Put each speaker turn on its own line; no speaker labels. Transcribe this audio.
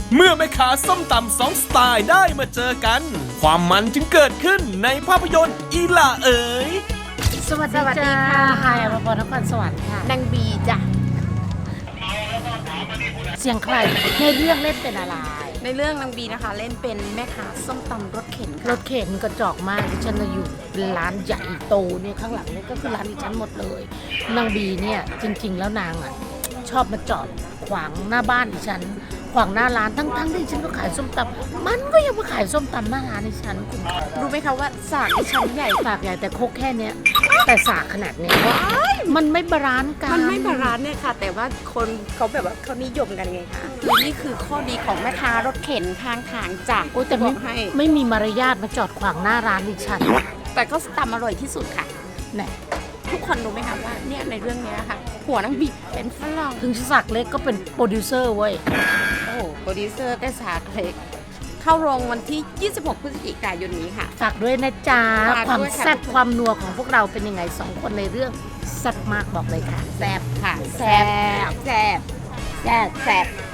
เมื่อแม่ค้าส้มตำสองสไตล์ได้มาเจอกัน ความมันจึงเกิดขึ้นในภาพยนตร์อีหล่าเอ๋ย
สวัสดีจ้าไฮอภพรนครสวรรค์ค่ะ
นางบีจ้ะ
เสียงใครในเรื่องเล่นเป็นอะไร
ในเรื่องนางบีนะคะเล่นเป็นแม่ค้าส้มตำรถเข็น
ร
ค่ะ
ถเข็นกระจอกมากดิฉันน่ะอยู่ร้านใหญ่โตเนี่ยข้างหลังเนี่ยก็คือร้านดิฉันหมดเลยนางบีเนี่ยจริง ๆ แล้วนางอ่ะชอบมาจอดขวางหน้าบ้านดิฉันขวางหน้าร้านทั้งที่ดิฉันก็ขายส้มตำมันก็ยังมาขายส้มตำหน้าร้านดิฉันคุณ
รู้ไหมคะว่าสากที่ชั้นใหญ่
สากใหญ่แต่โคกแค่เนี้ยแต่สากขนาดเนี้ยมันไม่บาลานซ์กัน
มันไม่บาลานซ์เนี่ยค่ะ แต่ว่าคนเขาแบบว่าเขานิยมกันไงคะคือนี่คือข้อดีของแม่ค้ารถเข็นข้างทางจาก
โอ้แต่
บ
ไม่
อกให้
ไม่มีมารยาทมาจอดขวางหน้าร้านดิฉัน
แต่ก็ตำอร่อยที่สุดค่ะ
ไหน
ทุกคนรู้ไหมคะว่าเนี่ยในเรื่องเนี้ยค่ะผัวนางบีเป็นฝรั่ง
ถึงสักเล็กก็เป็นโปรดิวเซอร์เว้ย
โอ้โหโปรดิวเซอร์แต่สากเล็กเข้าโรงวันที่ 26 พฤศจิกายนนี้ค่ะ
ฝากด้วยนะจ๊ะ
ฝาก
ความ
ด้วยค่ะ
แซ่บความนัวของพวกเราเป็นยังไงสองคนในเรื่องแซ่บมากบอกเลยค่ะ
แซ่บค่ะ
แซ่บ
แซ่บแซ่บแซ่บ